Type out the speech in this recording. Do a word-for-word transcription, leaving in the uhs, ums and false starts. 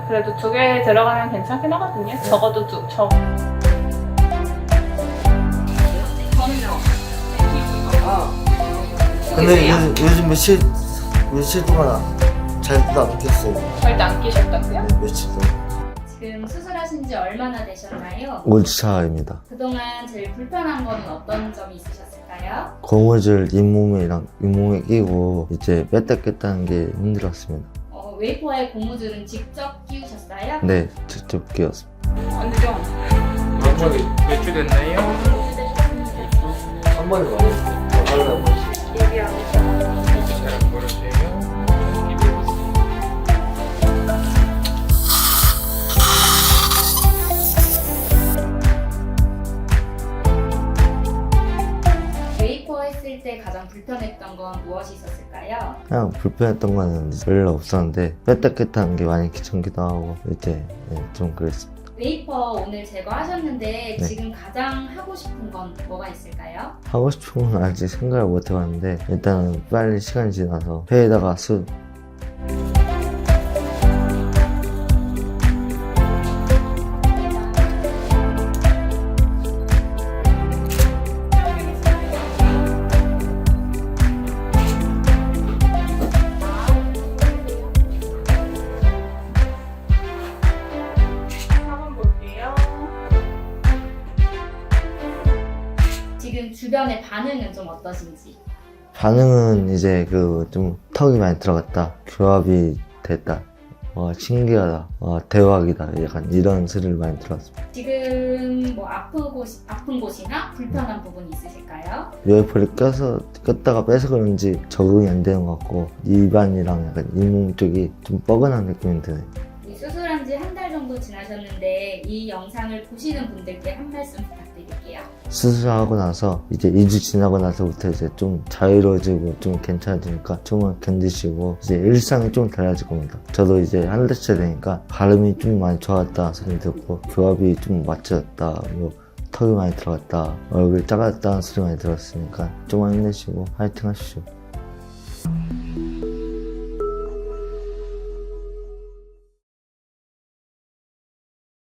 그래도 두 개 들어가면 괜찮긴 하거든요. 적어도 두, 적. 저는요. 근데 요즘, 요즘 며칠 며칠 동안 잘도 안 꼈어요. 절대 안 끼셨다고요? 네, 며칠 동안. 지금 수술하신 지 얼마나 되셨나요? 오 주 차입니다. 그동안 제일 불편한 건 어떤 점이 있으셨을까요? 고무줄 잇몸이랑 잇몸에 끼고 이제 뺐다 꼈다는 게 힘들었습니다. 어, 웨이퍼에 고무줄은 직접 끼우셨어요? 네, 직접 끼웠습니다. 언제죠? 연락이 몇 주 됐나요? 한 번에 말해요. 잘 걸으세요. 웨이퍼 했을 때 가장 불편했던 건 무엇이 있었을까요? 그냥 불편했던 거는 별로 없었는데 뺐다 꼈다는 게 많이 귀찮기도 하고 이제 네, 좀 그랬습니다. 웨이퍼 오늘 제거하셨는데 네. 지금 가장 하고 싶은 건 뭐가 있을까요? 하고 싶은 건 아직 생각을 못 해봤는데 일단은 빨리 시간이 지나서 회에다가 수 한번 볼게요. 지금 주변의 반응은 좀 어떠신지? 반응은 이제 그 좀 턱이 많이 들어갔다, 교합이 됐다, 어, 신기하다, 어, 대박이다, 약간 이런 소리를 많이 들었습니다. 지금 뭐 아픈 곳 아픈 곳이나 불편한 부분 있으실까요? 웨이퍼를 껴서 꼈다가 빼서 그런지 적응이 안 되는 것 같고 입안이랑 약간 잇몸 쪽이 좀 뻐근한 느낌이 드네요. 이 수술한 지 한 달 정도 지나셨는데 이 영상을 보시는 분들께 한 말씀 부탁드릴게요. 수술하고 나서 이제 이 주 지나고 나서부터 이제 좀 자유로워지고 좀 괜찮아지니까 좀만 견디시고 이제 일상이 좀 달라질 겁니다. 저도 이제 한 달째 되니까 발음이 좀 많이 좋아졌다 소리 듣고 교합이 좀 맞춰졌다, 뭐 턱이 많이 들어갔다, 얼굴이 작아졌다는 소리 많이 들었으니까 좀만 힘내시고 화이팅 하십시오.